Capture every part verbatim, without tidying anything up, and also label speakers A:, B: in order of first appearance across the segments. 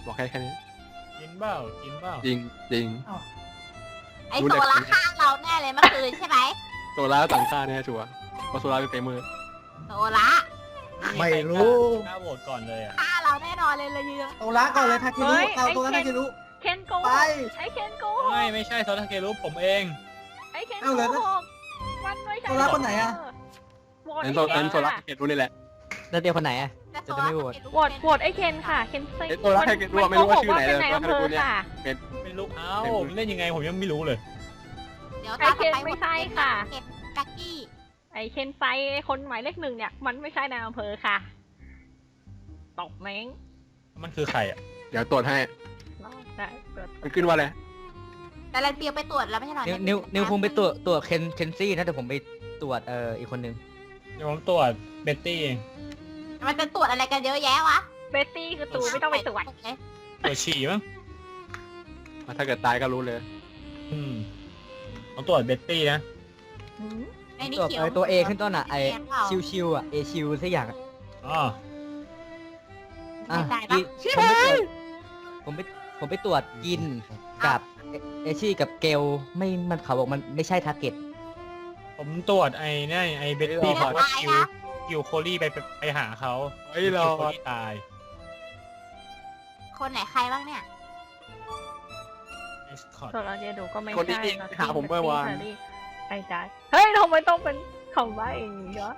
A: บอกแค่แค่นี้
B: กินเปล่ากินเปล่า
A: จริงจริง
C: ไอโซล่าฆ่าเราแน่เลยเมื่อคืนใช่ไหม
A: โซล่าต่างชาติแน่ชัวร์เพราะโซล่าเป็นเฟเมอร์
C: โซล่า
D: ไม่รู้
B: กล้าโหวตก่อนเลยอ่ะ
C: ฆ่าเราแน่นอนเลยเลยยืน
D: โซล่าก่อนเลยทาเครุเอาโซล่าทาเครุ
E: เคนโกห
D: ไป
E: กไอ้เคนโกหก
B: ไม่ไม่ใช่โซลาเกรุผมเอง
E: ไอ้เคน
D: เอา
E: โก
D: เลยนะ
E: หกมันไม่ใช่
D: โซล่าคนไหนอะ
E: โหวต
A: นั้น
E: ไอ้
A: โซ
E: เคน
A: นั้นโซล่า
E: ค่ะ
A: เกตรู้นี่แหละ
F: แล้วเดียวคนไหนอ่ะ จะไม่โหวต
E: โหวตโหวตไอ้เคนค่ะ เคนซิ
A: เอ้ยโซล่าเกตรู้ว่าไม่รู้ว่าชื่อไหน
E: เป็น
A: เลย
E: นายอำเภอค่ะ
B: ไม่รู้เอ้าเล่นยังไงผมยังไม่รู้เลย
C: เดี๋ยว
E: ไอ้เคนไม่ใช่ค่ะ
C: เคนกักกี้
E: ไอ้เคนไซไอ้คนหมายเลขหนึ่งเนี่ย มันไม่ใช่นายอำเภอค่ะ ตกเม้ง
B: มันคือใครอ่ะ
A: เดี๋ยวตรวจให้
E: ได้เปิด
A: มันขึ้นว่าอะไร
C: แต่แลนเปียวไปตรวจแล้วไม่ใช่หรอ
F: นิวนิวนิวคงไปตรวจตรวจเคนเคนซี่นะแต่ผมไปตรวจเอ่ออีกคนนึง
B: เดี๋ยวผมตรวจเบตตี้เอง
C: มันจะตรวจอะไรกันเยอะแยะวะ
E: เบตตี้คือตูไม่ต้องไปตรวจ
B: ตรวจฉี่มั้ง
A: ถ้าเกิดตายก็รู้เลย
B: อืมผมตรวจเบตตี้นะ
E: หืม
C: ไอ้นี่
F: ตรวจ
C: เขียว
F: เอ่อตัวเอขึ้นต้นอ่ะไอ
C: เขียวเปล่า
F: ชิวชิวอ่ะเอชิวสักอย่างอะ
B: อ๋อ
F: อ่ะ
C: ไม่ได้ปะ
F: อีผมไปตรวจผมไปผมไปตรวจกินกับเอเอชี่กับเกลไม่มันเขาบอกมันไม่ใช่ทาร์เก็ต
B: ผมตรวจไอ้นี่ไอ้เบตตี้บอกว่าคิวคิวโคลี่ไปไปไปหาเขา
A: เฮ้ยเรา
B: คิวโคลี่ตาย
C: คนไหนใครบ้างเนี่ย
B: เอสคอร์
E: ส่วนเราจะดูก็ไม่
A: คนที่
E: ใช่
A: นี่หาผมเมื่อวาน
E: ไอ้ได้เฮ้ยทำไมต้องเป็นคำว่าอย่างนี้วะ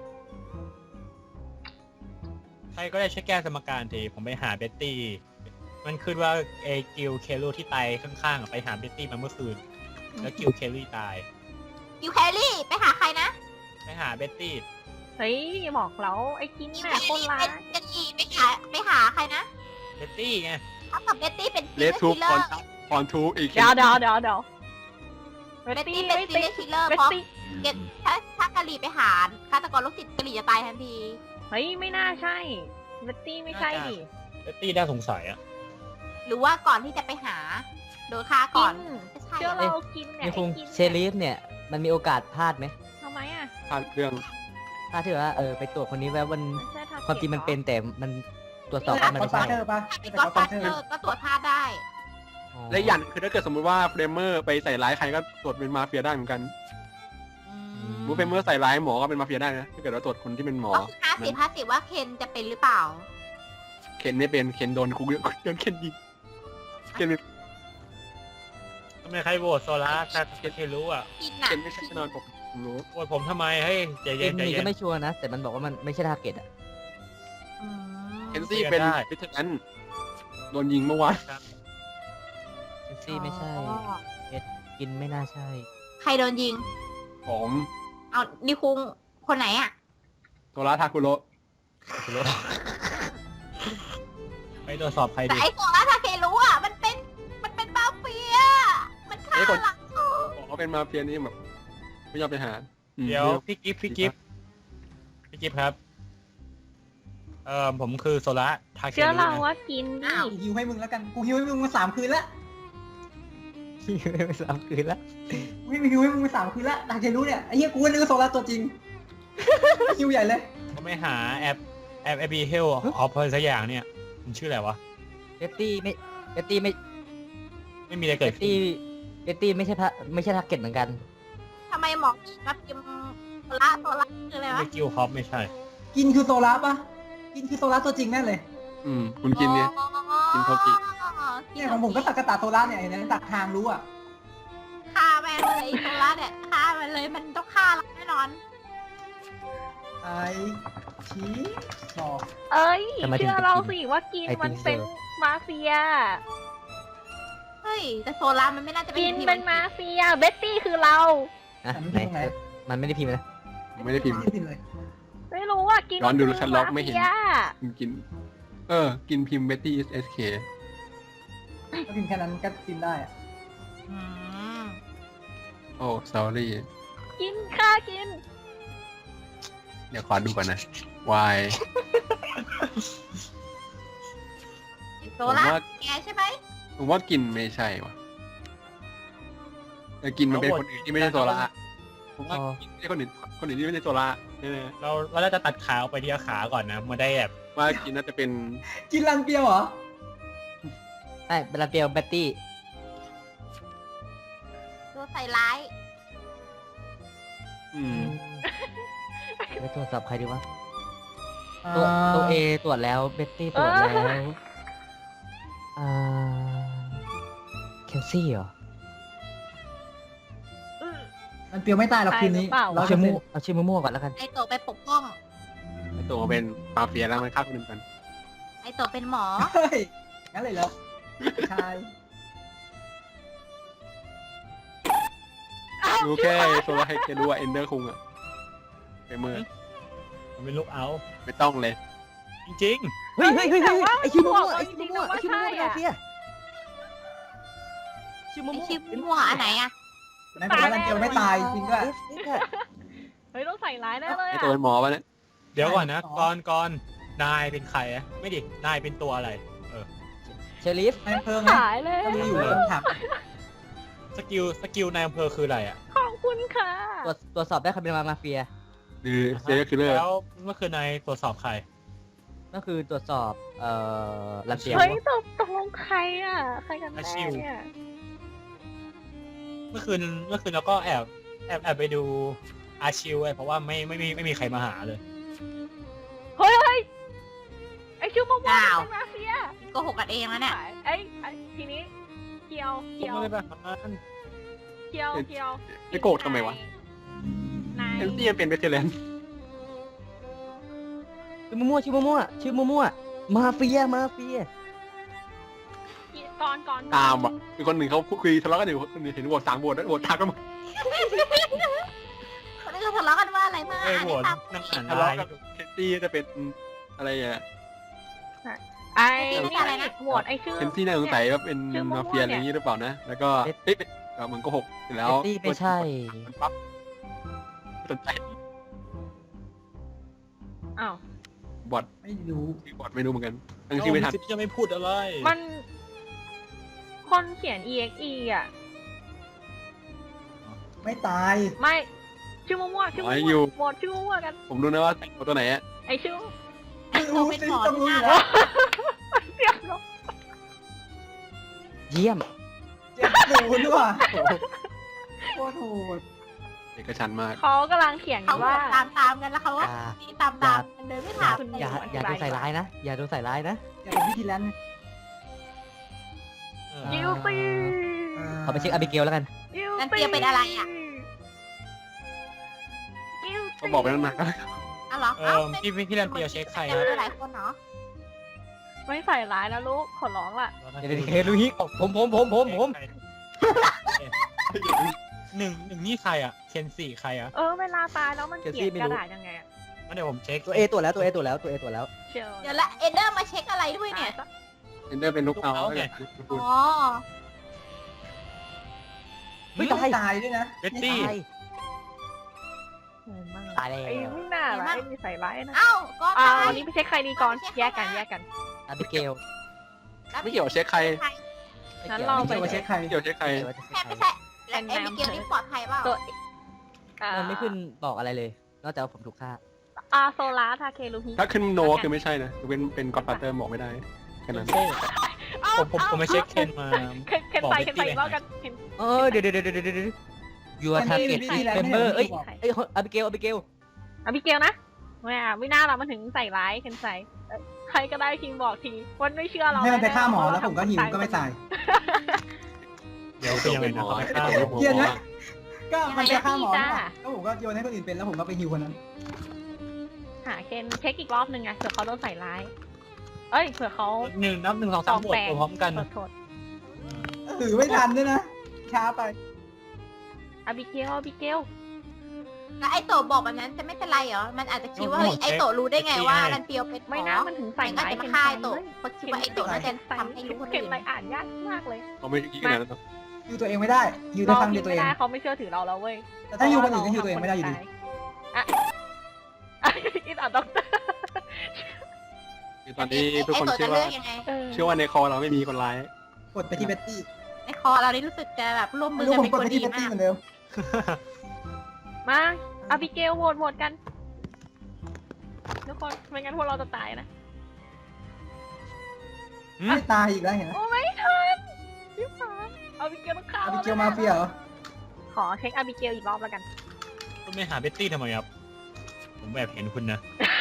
B: ใครก็ได้ช่วยแก้สมการทีผมไปหาเบตตี้ มันขึ้นว่าไอ้กิลเคลลี่ที่ตายข้างๆอะไปหาเบตตี้มาเมื่อคืน แล้วกิลเคลลี่ตาย
C: ยูแคลรี่ไปหาใครนะ
B: ไปหาเบตตี้
E: เฮ้ยบอกแล้วไอ้กิน
C: ยู
E: น่ะ
C: แคล
E: คน
C: รี่
E: ร้า
C: เป็
E: ย
C: นเป็นอีไปหาไปหาใครนะ
B: เบตตี้ไง
C: ถ้ากับเบตตี้เป็น
A: เลสทู
C: คิลเล
A: ค
C: อ
A: อน
C: ร์
A: ทัพคอนทูอีก
E: เดี๋ยวเดี๋ยวเดี๋ยวเดี๋ยว
C: เบตตี้เป็นซีเรียสคิลเลอร์
E: เบต
C: เพราะ
E: ตี้
C: เกตถ้าถ้ากะหรี่ไปหาฆาตกรโรคจิตกะหรี่จะตายทันที
E: เฮ้ยไม่น่าใช่เบตตี้ไม่ใช่ดิ
B: เบตตี้น่าสงสัยอะ
C: หรือว่าก่อนที่จะไปหาโดนฆ่าก่อนไม่ใช่
E: เชื่อ
C: เหรอ
E: เรากินเนี่ย
F: นิวคง
E: ไอ้กิน
F: เชลีฟเนี่ยมันมีโอกาสพลาดไหม
E: ทำไมอ่ะ
A: ผ่านเรื่อง
F: ถ้าที่ว่าเออไปตรวจคนนี้แล้วมัน
E: ไม่ใช่ทา
F: ความจริงมันเป็น
E: หอ
F: แต่มันตรวจสอบ
D: ก็
F: ว่ามัน
D: อด
F: ไม่
D: ฟา
F: ใช่
D: เธอร์ปะ
C: ถ้าเป็น
D: แต่
C: ก็
D: ก็
C: ฟา
D: ฟา
C: เธ
D: เธอ
C: อ
D: ร์
C: ร์ก็ตรวจพลาดได้
F: อ๋อ
A: และอีกอย่างคือถ้าเกิดสมมติว่าเฟรมเมอร์ไปใส่ร้ายใครก็ตรวจเป็นมาเฟียได้เหมือนกันสมมติเฟรมเมอร์ใส่ร้ายหมอก็เป็นมาเฟียได้นะถ้าเกิดว่าตรวจคนที่เป็นหมอ
C: ก็คือห้าสิบห้าสิบว่าเคนจะเป็นหรือเปล่า
A: เคนไม่เป็นเคนโดนคุกโดนเคนยิงเคนไม่
B: ทำไมใครโหวตโซล่าถ้าเครู้อ่ะ
C: กินน่ะ
A: เคนไม่ใช่แน่นอนผมผมรู้
B: โหวตผมทำไมให้ใจ
F: เอ็
B: เย็น
F: ม
B: ใจ
F: นี่
B: เย็
F: ก็
B: น
F: ไม่ชัวร์นะ แต่มันบอกว่ามันไม่ใช่ทาร์เก็ตอ่ะ
C: อืม
A: เคนซี่เป็น
B: ได้
A: วิทยานั้นโดนยิงเมื่อวาน
F: เคนซี่ไม่ใช่
C: อ๋อ
F: กินไม่น่าใช่
C: ใครโดนยิง
A: ผม
C: เอานิคุงคนไหนอ่ะ
A: โซล่าทาคุโร
B: ไปตรวจสอบใคร
C: แต่
B: ดี
C: ไอ้โซล่าทาเครู้อ่ะ มันเป็น มันเป็นมาเฟีย มันฆ่าเรา
A: บอกว่าเป็นมาเฟียนี่แบบไม่ยอมไปหาอืม
B: เดี๋ยวพี่กิฟต์พี่กิฟต์พี่กิฟต์ครับ เอ่อผมคือโซล่าทาเค
E: เชื่อ
B: รุ
E: เรา
B: นะ
E: ว่ากินดิ
D: กูฮิวให้มึงแล้วกัน กูฮิวให้มึงมาสามคืนแล้ว
F: ไม่สามคืนละ
D: กูฮิวให้มึงมาสามคืนแล้วทาเครุเนี่ยไอ้เหี้ยกูก็นึกว่าโซล่าตัวจริงฮิวใหญ่เลย
B: ผมไม่หาแอปแอปแอปบีเฮลออฟอะไรสักอย่างเนี่ยมันชื่ออะไรวะ
F: เบตตี้ไม่เบตตี้ไม่
B: ไม่มีอะไร
F: เบ
B: เกิด
F: ต
B: ขึ้น
F: ตี้เบตตี้ไม่ใช่พระไม่ใช่ทาร์เก็ตเหมือนกัน
C: ทำไมหมอกินมาพิมพ์โซล่าโซล่าคืออะไรวะ
B: ไม่กิลฮอปไม่ใช่
D: กินคือโซล่าปะกินคือโซล่าตัวจริงแน่เลย
A: อืมคุณกินเนี่ย กินโทกิ
D: เนี่ยของผมก็ตักกะตาโซล่าเนี่ยเห็นไหมตักทางรู้อ่ะ
C: ฆ่าแม่งเลยโซล่าเนี่ยฆ่ามันเลยมันต้องฆ่าเราแน่นอน
D: ไอชี้สอบ
E: เอ้ย
F: ทำไมถึง
E: เชื่อ
F: เป็น
E: เรา
F: กิน
E: สิว่ากิน
F: ไอติม
E: มันเป็น
F: เซลล์
E: มาเฟีย
C: เฮ้ย แต่โซล่ามันไม่น่าจะเป็น
E: กิน
C: ที
E: เป็นมาเฟียเบตตี้คือเรา
F: นะไหนมันไม่ได้พิมพ์นะ
A: ไม่ได้พิมพ์
D: ไม่พิมพ์เลย
E: ไม่รู้ว่ากิน
A: ย้อนดู
E: คื
A: ชั้นล็อกไม่เห็น
E: าฟีย
A: คุณกิน เออ กินพิมพ์เบตตี้เอสเค
D: ก็พิมพ์แค่นั้นก็พิมพ์ได้อะ
C: อืม
A: โอ้ sorry
E: กินค่ากิน
A: เดี๋ยวขอดูก่อนนะ why
C: โซล่า
A: ผมว่า
C: แกใช่ไหม
A: ผมว่ากินไม่ใช่วะแต่กินมันเป็นคนอื่นที่ไม่ใช่โซล่าผมว่า
F: อ๋อ
A: กินไม่ใช่คนอื่นคนอื่นที่ไม่ใช่โซล่าแน่
B: เราเราน่าจะตัดขาออกไปที่ขาก่อนนะมาได้แบบ
A: ๆว่ากินน่าจะเป็น
D: กินรันเปียวเหรอ
F: ไม่เบลาเปียวแบตตี้
C: โดนใส่ร้าย
A: อืม
F: ไปตรวจสอบใครดีวะ ตัวตัวเอตรวจแล้วเบตตี้ตรวจแล้วอ่าเคลซี่เหรอ
D: มันเปรียวไม่ตายหรอกคืนนี้
E: ตายหรือเปล่า
D: ร้อ
F: เอา
D: ย
F: ชื่อ
D: เปอร์
F: มั่
D: เซ็น
F: ว
D: ต์
F: เอาชื่อมั่วๆก่อนแล้วกัน
C: ไอโตไปปกป้อง
A: ไอ้ตัวเป็นมาเฟียแล้วมันฆ่าคนอื่นกัน
C: ไอโตเป็นหมอ
D: เฮ้ยงั้นเลยเหรอใช่
A: รู้แค่โซลาร์ไฮเกรู้ว่าเอนเดอร์คุงอะไปเมื่อ
B: ผมเป็นลูกเอา
A: ไม่ต้องเลย
B: จริง
F: เฮ้ยเฮ้ยเฮ้ย
E: แต่
F: เฮ้ย
E: ว่า
F: ไอชื่อมั่ว
E: บอก
F: ไอ
E: จ
F: ชื่อ
E: ริงๆ
F: มั่ว
E: นะ
F: ไอ
E: ว่า
F: ชื่อมั่ว
E: ใช่
F: มา
E: อะ
F: เฟียชื่อ
C: ไอ
F: มั่ว
C: ชื่อมั่วอันไหนอะ
D: นายบอกว่ารันเปียวไม่ตายจริงด้วย
F: เอฟเอฟอะ
E: เฮ้ยต้องใส่ร้ายแน่เลย
A: ไอ้
E: อะ
A: ตัวเป็นหมอวะเนี่ย
B: ๆ เดี๋ยวก่อนนะ
D: อ๋อ
B: ก่อนก่อนนายเป็นใครอะไม่ดิ นายเป็นตัวอะไร เออ
F: เชอริฟ
D: นายอำเพิ่งไง
E: ขายเลย
D: ก็รู้อยู่ว่าถาม
B: สกิล สกิลนายอำเภอคืออะไรอะ
E: ขอบคุณค่ะ
F: ตรวจตรวจสอบได้ใครเป็นมาเฟีย
A: หรือเซเรียลคิลเลอร์
B: แล้วเมื่อคืนนายตรวจสอบใคร
F: ก็คือตรวจสอบเอ่อลันเปียว
E: เฮ้ยตกตกลงใครอ่ะ ใครกันแน่
B: อาชิว
E: เนี่ย
B: เมื่อคืน เมื่อคืนเราก็แอบ แอบแอบไปดูอาชิวไว้เพราะว่าไม่ไม่มีไม่มีใครมาหาเลย
E: เฮ้ยเฮ้ยไอชื่อมะม่วง
C: อ้าว
E: เป็นมาเฟีย
C: โกหกกันเองแล้วเนี่ย
E: ไอ้ไอ้ทีนี้เกียว
B: ผม
E: เกียว
B: ไม่ได้ไปหา
E: เกียวเกียว
A: ไอ้โกรธทำไมวะ
E: นาย
A: เอนซี่ยังเป็นเวทเทเลน
F: ชื่อมั่วๆชื่อมั่วๆชื่อมั่วๆมาเฟียมาเฟีย
E: ก่อนก่อน
A: ตามอ่ะคือคนหนึ่งเขาคุยทะเลาะกันอยู่คนหนึ่งเห็นโหวตสามโหวตแล้วโหวตทักกันหมด
C: คนนี้ก็ทะเลาะกันว่าอะไรมา
B: เอ้ยโหวต
C: ตาม
B: นั่งอ่าน
A: ทะ
B: ไล
A: เลาะ
B: น์
A: กันเคนซี่จะเป็นอะไรอ่ะ
E: ไอ้
C: นี่
E: นี่
C: อะไรนะ
E: โหวตไอ้ชื่อ
A: เคนซี่น่าสงสัยว่าเป็น
E: ชื่อมั่วๆ
A: มาเฟียอะไรอย่างนี้หรือเปล่านะ แล้วก็เอ๊ะเอ๊ะเหมือนโกหกเสร็จแล้ว
F: เบตตี้ไม่ใช่
A: มันปั๊บสนใจ
E: อ้าว
A: บอท
D: ไม่รู้
A: ที่บอทไม่รู้เหมือนกันตั้งชื่อไม่ทัน
B: สิบจะไม่พูดอะไร
E: มัน คนเขียน อี เอ็กซ์ อี อ่ะ
D: ไม่ตาย
E: ไม่ ชื่อมั่วๆชื่อมั่วๆโหวตชื่อมั่วๆกัน
A: ผมรู้นะว่าแต่งตัวไหนอะ
E: ไอ้ชื่อ
C: ไอโตเป็นหมอ
D: ต้องรู้อยู่
C: ที่
D: แล้ว
E: เสียบเนอะ
F: เยี่ยม
D: เจ็บศูนย์ว่ะโคตรโหด
A: เอกชันท์มาก
E: เขากำลังเขียนอ
C: เขา
E: ยู่ว่า
C: ตามตามๆกันแล้วเขาก็
F: อย่า
C: ตีตามตามๆกันเลยไม่ถาม
E: คุณ
F: อย่า
E: อธิบาย
F: อย่าโดนใส่ร้ายนะ อย่าโดนใส่ร้ายนะ
D: อยากเป็นวิธีแลนด์
B: เออ
E: ยิวซี
F: ขอไปเช็คอาบิเกลแล้วกัน
E: ยิว
C: นั่นเปียเป็นอะไรอ่ะ
E: ยิว
A: ก็บอกไปตั้งนานแล้ว
C: อ้าวเหรอ
B: เอ
C: เอ้า
B: อพี่พี่พี่รันเปียวเช็คใคร
C: เจ
B: ครับ
C: อหลายคนเนาะ
E: ไม่ใส่ร้ายนะลูก ขอร้องล่ะ
F: เดี๋ยวเดี๋ยวเคลูฮิผมผมผมผมผม
B: หนึ่งหนึ่งนี่ใครอ่ะ เคนสี่ใครอ่ะ
E: เออ เวลาตายแล้วมันเขียนกระดาษยังไงอะ
B: งั้นเดี๋ยวผมเช็ค
F: ตัวเอตรวจแล้วตัวเอตรวจแล้วตัวเอตรวจแล้ว
E: เชียว
C: เดี๋ยวละเอเดอร์มาเช็คอะไรด้วยเนี่ย
A: เอนเดอร์เป็นลูกเอา
B: ลูกเอาไง
C: อ๋อ
D: ไม่ตายตายด้วยนะ
B: เบตตี้
F: ตาย ตายแล้ว
E: ไอ้ไม่น่าร้ายมีใส่ร้ายนะ
C: เอ้าก็
E: อ่า
C: ตาย
E: อันนี้ไปเช็คใครดีก่อน แยกกันแยกกัน
F: อาบิเกล
A: ไม่เกี่ยวกับเช็คใคร
E: งั้นเรา
D: ไม่
E: ไป
D: เกี่ยวกับเช็คใคร
A: ไม่เกี่ยวกับเช็คใคร
C: แค่ไม่ใช่แล้วเอมิเกลนี่ปลอดภัยเปล่า
E: ตัวอ่า
F: มันไม่ขึ้นบอกอะไรเลย นอกจากว่าผมถูกฆ่า
E: อาโซลาทาเคลูฮิ
A: ถ้าขึ้นโนก็คือไม่ใช่นะเป็นเป็นก็อดฟาเตอร์บอกไม่ได้แค่นั้น
B: ผมผมผมไปเช็คเคนมา
E: เคนเคนใส่เคนใส่อีกรอบกันเคน
F: เออเดี๋ยวเดี๋ยวเดี๋ยวเดี๋ยวเดี๋ยวยูอาร์ทาร์เก็ต
D: วิธีแลนด์
F: เมมเบอร์
D: นี่ย
F: เอ้ย
D: บอก
F: เอ้ยอาบิเกลอาบิเกล
E: อาบิเกลนะไม่อ่ะไม่น่าเรามันถึงใส่ร้ายเคนใส่เอ้ยใครก็ได้ทีมบอกทีวันไม่เชื่อเรา
D: ให้มันไป
E: แๆ
D: ฆ่าหมอ
E: เพระ
D: แล้วผมก็หิวก็ไม่ตาย
B: เดี๋ยวคือยังไงนะเขาไปฆ่า
A: เดี๋ยวผม
D: เกลียดไหม ก็มันไปฆ่าหมอนี่หว่าก็ผมก็โยนให้คนอื่นเป็นแล้วผมก็ไปฮิวคนนั้น
E: หาเคนเช็คอีกรอบหนึ่งไงเผื่อเขาโดนใส่ร้าย เอ้ยเผื่อเขา
B: หนึ่งนับหนึ่งสองสามบวกพร้อมกัน
E: ขอโทษ
D: ถือไม่ทันด้วยนะ ช้าไป
E: อาบิเกลอาบิเกล
C: แล้วไอโตบอกแบบนั้นจะไม่เป็นไรเหรอ มันอาจจะคิดว่าเฮ้ยไอโตรู้ได้ไงว่ารันเปียวเป็นหมอ
E: ไม่นะมันถึงใส่
C: มันก็
E: ร้าย
C: จะ
E: เคน
C: มาฆ่า
E: ใส่
C: ไอโต
E: เลย
C: เพราะคิดว่าไอโตน่าจะทำให้รู้คน
E: เคน
C: อื่น
E: อะไรอ่านยากมากเลย
A: เขาไม่คิดขนาดนั้นหรอก
D: ฮิวตัวเองไม่ได้ฮิวได้
E: เรา
D: ครั้งเดี
E: คิ
D: ย
E: ด
D: วตัว
E: ไม่
D: เอง
E: ได้เขาไม่เชื่อถือเราแล้วเว้ย
D: แต่ถ้าฮิวคนอื่นก็ฮิวตัวเองไม่ได้อยู่ดี
E: อ่ะอินอ่ะด็อกเตอร์
A: คือตอนนี้ทุกคน
C: ไอโต
A: เชื่
C: จะ
A: อ
C: เลื
A: ว่า
C: อกยังไง
E: เออ
A: เชื่อว่าในคอเราไม่มีคนร้าย
D: กดไปที่เบตตี้
C: ในคอเรานี่รู้สึกจะแบบร่วมมื
D: ไม่
C: อ
D: รู้
C: กัน
D: ผม
C: เป็น
D: กด
C: คน
D: ไป
C: ดี
D: ที่เบตตี้
C: มาก
D: เหมือนเดิม
E: มาอาบิเกลโหวตโหวตกันทุกคนไม่งั้นพวกเราจะตายนะ
D: ไม่ตายอีกแล้วเห็นไหม
E: โอ้ไม่ทันอาบิเกลต้องฆ่า
D: อาบิเกลมาเฟียเหรอ
E: ขอเช็คอาบิเกลอีกรอบแล้วกัน
B: คุณไปหาเบตตี้ทำไมครับ ผมแอบเห็นคุณนะ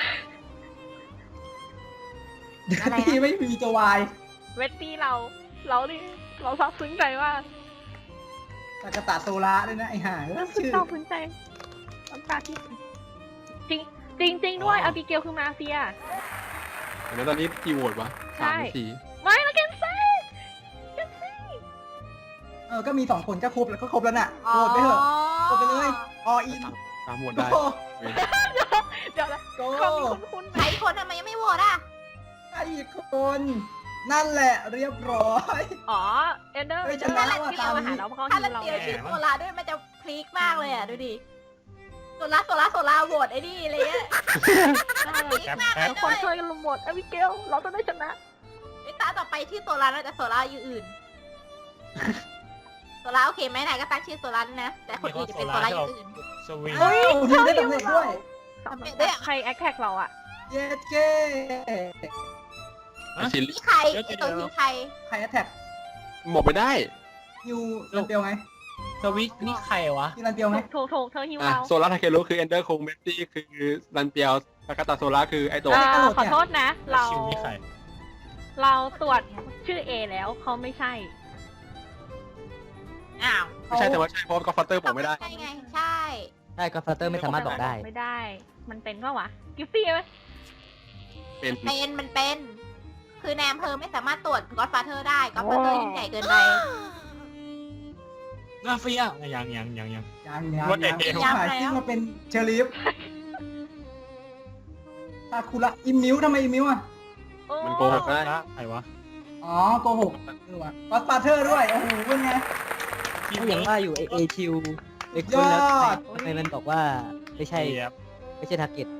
C: อะไรนะ
D: ที่ไม่มีตัววาย
E: เวตตี้เราเราดิเราซาบซึ้งใจมาก
D: ตากาตะโซล่าด้วยนะไอ้ห่า
E: เราซึ้ง
D: ชื่อ
E: ซาบซึ้งใจน้ำตาที่จริงจริงจริงด้วย
B: อ๋อ
E: อาบิเกลคือมาเฟีย
A: เดี๋ยวตอนนี้กี่โหวตวะ
E: ใช่
A: สามหรือสี่
E: ไม่แล้วเกนเซ่
D: เออก็มีสองคนก็ครบแล้วก็ครบแล้วน่ะโหวตไปเถอะโหวตไปเลยออิน
A: สามสามโหวต
D: โก
A: ได้เว้ย
E: เดี๋ยวนะ
D: โก
E: เขามีคุณคุณ
C: ใครคนทำไมยังไม่โหวตอ่ะ
D: ไอ้คนนั่นแหละเรียบร้อย
E: อ๋อเอนเดอร์
D: เฮ้ย
E: เอนเดอ
D: ชนะ
E: ร์
D: ว่ะ
E: ที่เรามาหาเราเพราะเขา
C: ถ้า
E: ฮิ
C: ลั
E: วน เรา
C: เดียว
E: ไง
C: ชื่อโซลาด้วยมันจะพลิกมากเลยอ่ะดูดิโซลาโซลาโซลาโหวตไอ้นี่อะไรเงี้ยพลิกมากเลย
E: ทุกคนช่วยกันลุมหมดอาบิเกลเราต้องได้ชนะ
C: ไอ้ตาต่อไปที่โซลาน่าจะโซลาอยู่อื่นโซลาโอเคไหมนายก็ตั้งชื่อโซลาด้วยนะแต่คนอื่นจะเป็นโซลาอยู่อื่น
B: สวิง
D: เฮ้ยทีมได้สำเร็จด้วย
E: สำหรับใครแอคแท็กเราอะ
D: เย็ดเก้
A: ไอ้ชิล
C: นี่ใครไอ้ตัวทีใคร
D: ใครแอตแท็ก
A: หมกไปได้
D: ยูรันเปียวไง
B: สวิตนี่ใครวะ
D: ยูรันเปียวไง
E: ถูกถูกเธอฮิว
A: อ่ะ
E: เรา
A: โซล่าทาเคโรุคือเอนเดอร์คงเบตตี้คือรันเปียวตากาตาโซล่าคือไอโตะ
E: เอ่อขอโทษนะ เรา
B: คิวนี่ใคร
E: เราตรวจชื่อ A แล้วเขาไม่ใช่
C: อ้าว
A: ไม่ใช่แต่ว่าใช่เพราะก็ฟัตเตอร์ผมไม่ได้
C: ใช่ไงใช่
F: ใช่ก็ฟัตเตอร์ไม่สามารถบอกได้
E: ไม่ได้ มันเป็นปะวะ กิฟฟี่ไหม
A: เป็น
C: เป็นมันเป็น คือแนมเพอไม่สามารถตรวจก็อดฟาเธอร์ได้ก็อดฟาเธอร์ยิ่งใหญ่เกินไป
B: มาเฟียยังยังยังยัง
D: ยังยัง
B: ว่าแต่
D: ยัง
B: เอว
D: ขายซิ่งมาเป็นเชอริฟซาคุระอิมมิวทำไมอิมมิวอ่ะ
E: โอ้
A: มันโกหกได้
B: ใครวะ
D: อ๋อโกหกเออว่ะก็อดฟาเธอร์ด้วย โอ้โหเป็นไง
F: ก็ยังว่าอยู่เอเอคิวเอคุณแล้ว
D: ยอด
F: ทำไมมันบอกว่าไม่ใช่
B: เจี๊ยบ
F: ไม่ใช่ทาร์เก็ต